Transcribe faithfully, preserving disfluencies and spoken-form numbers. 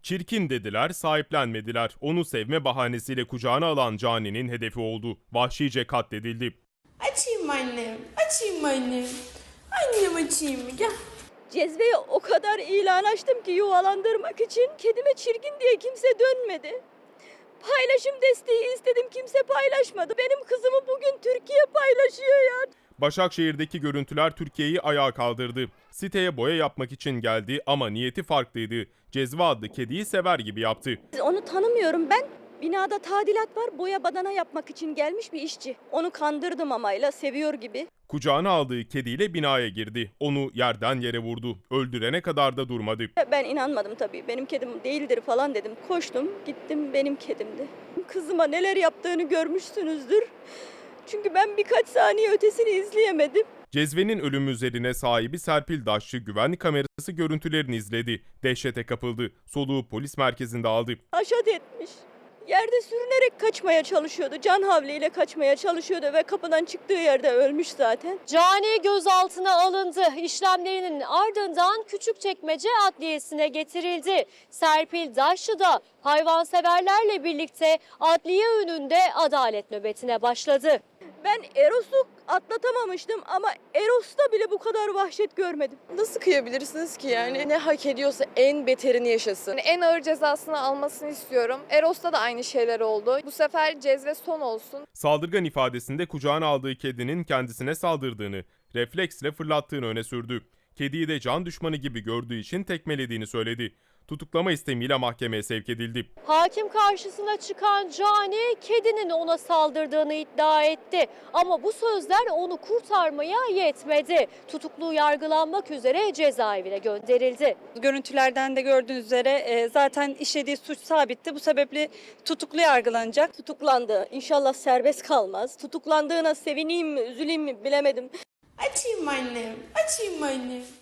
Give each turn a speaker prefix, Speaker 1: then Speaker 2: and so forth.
Speaker 1: Çirkin dediler, sahiplenmediler. Onu sevme bahanesiyle kucağına alan Cani'nin hedefi oldu. Vahşice katledildi.
Speaker 2: Açayım annem, açayım annem. Annem açayım mı? Gel.
Speaker 3: Cezveye o kadar ilan açtım ki yuvalandırmak için. Kedime çirkin diye kimse dönmedi. Paylaşım desteği istedim, kimse paylaşmadı. Benim kızımı bugün Türkiye paylaşıyor ya.
Speaker 1: Başakşehir'deki görüntüler Türkiye'yi ayağa kaldırdı. Siteye boya yapmak için geldi ama niyeti farklıydı. Cezve adlı kediyi sever gibi yaptı.
Speaker 3: Onu tanımıyorum ben. Binada tadilat var, boya badana yapmak için gelmiş bir işçi. Onu kandırdım amayla, seviyor gibi.
Speaker 1: Kucağına aldığı kediyle binaya girdi. Onu yerden yere vurdu. Öldürene kadar da durmadı.
Speaker 3: Ben inanmadım tabii. Benim kedim değildir falan dedim. Koştum, gittim, benim kedimdi. Kızıma neler yaptığını görmüşsünüzdür. Çünkü ben birkaç saniye ötesini izleyemedim.
Speaker 1: Cezvenin ölümü üzerine sahibi Serpil Daşçı güvenlik kamerası görüntülerini izledi. Dehşete kapıldı. Soluğu polis merkezinde aldı.
Speaker 3: Haşat etmiş. Yerde sürünerek kaçmaya çalışıyordu. Can havliyle kaçmaya çalışıyordu ve kapıdan çıktığı yerde ölmüş zaten.
Speaker 4: Cani gözaltına alındı. İşlemlerinin ardından Küçükçekmece Adliyesi'ne getirildi. Serpil Daşçı da hayvanseverlerle birlikte adliye önünde adalet nöbetine başladı.
Speaker 3: Ben Eros'u atlatamamıştım ama Eros'ta bile bu kadar vahşet görmedim.
Speaker 5: Nasıl kıyabilirsiniz ki yani? Ne hak ediyorsa en beterini yaşasın.
Speaker 6: Yani en ağır cezasını almasını istiyorum. Eros'ta da aynı şeyler oldu. Bu sefer cezve son olsun.
Speaker 1: Saldırgan ifadesinde kucağına aldığı kedinin kendisine saldırdığını, refleksle fırlattığını öne sürdü. Kediyi de can düşmanı gibi gördüğü için tekmelediğini söyledi. Tutuklama istemiyle mahkemeye sevk edildi.
Speaker 4: Hakim karşısına çıkan Cani kedinin ona saldırdığını iddia etti. Ama bu sözler onu kurtarmaya yetmedi. Tutuklu yargılanmak üzere cezaevine gönderildi.
Speaker 7: Görüntülerden de gördüğünüz üzere zaten işlediği suç sabitti. Bu sebeple tutuklu yargılanacak.
Speaker 3: Tutuklandı. İnşallah serbest kalmaz. Tutuklandığına sevineyim mi, üzüleyim mi bilemedim.
Speaker 2: Açayım annem, açayım annem.